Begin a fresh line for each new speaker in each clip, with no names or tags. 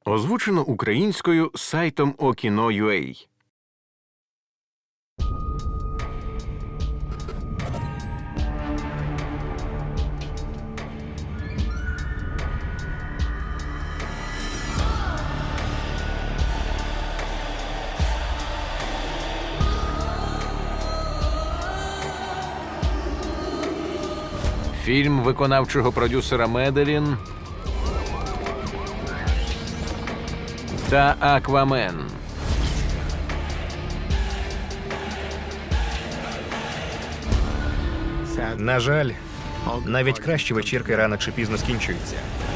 Озвучено українською сайтом Okino.ua. Фільм виконавчого продюсера Меделін та Аквамен.
На жаль, навіть кращі вечірки рано чи пізно скінчуються.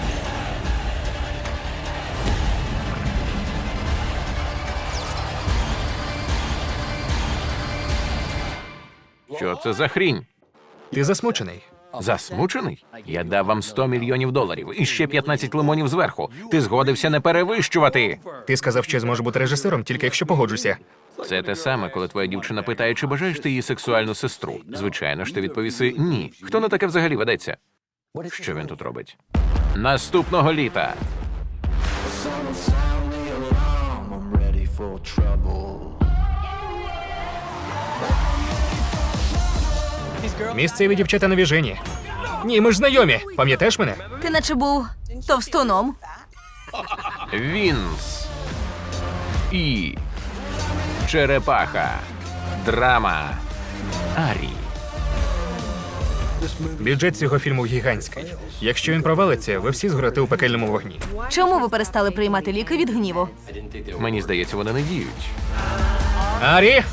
Що це за хрінь?
Ти засмучений?
Засмучений? Я дав вам $100 мільйонів і ще 15 лимонів зверху. Ти згодився не перевищувати.
Ти сказав, що я зможу бути режисером, тільки якщо погоджуся.
Це те саме, коли твоя дівчина питає, чи бажаєш ти її сексуальну сестру. Звичайно ж, ти відповіси «ні». Хто на таке взагалі ведеться? Що він тут робить? Наступного літа.
Місцеві дівчата навіжені. Ні, ми ж знайомі. Пам'ятаєш мене?
Ти наче був товстуном.
Вінс. І. Черепаха. Драма. Арі.
Бюджет цього фільму гігантський. Якщо він провалиться, ви всі згорите у пекельному вогні.
Чому ви перестали приймати ліки від гніву?
Мені здається, вони не діють.
Арі!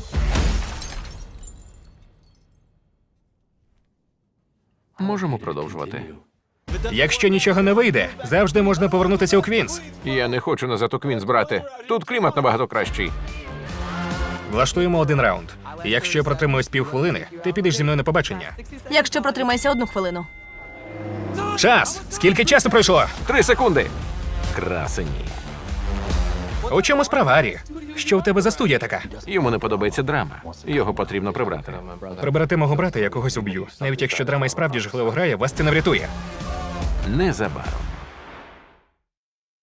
Можемо продовжувати.
Якщо нічого не вийде, завжди можна повернутися у Квінс.
Я не хочу назад у Квінс брати. Тут клімат набагато кращий.
Влаштуємо один раунд. І якщо я протримуюсь півхвилини, ти підеш зі мною на побачення.
Якщо протримайся 1 хвилину.
Час! Скільки часу пройшло?
3 секунди. Красені.
У чому справа, Арі? Що у тебе за студія така?
Йому не подобається драма. Його потрібно прибрати.
Приберете мого брата, я когось уб'ю. Навіть якщо драма і справді жахливо грає, вас це не врятує.
Незабаром.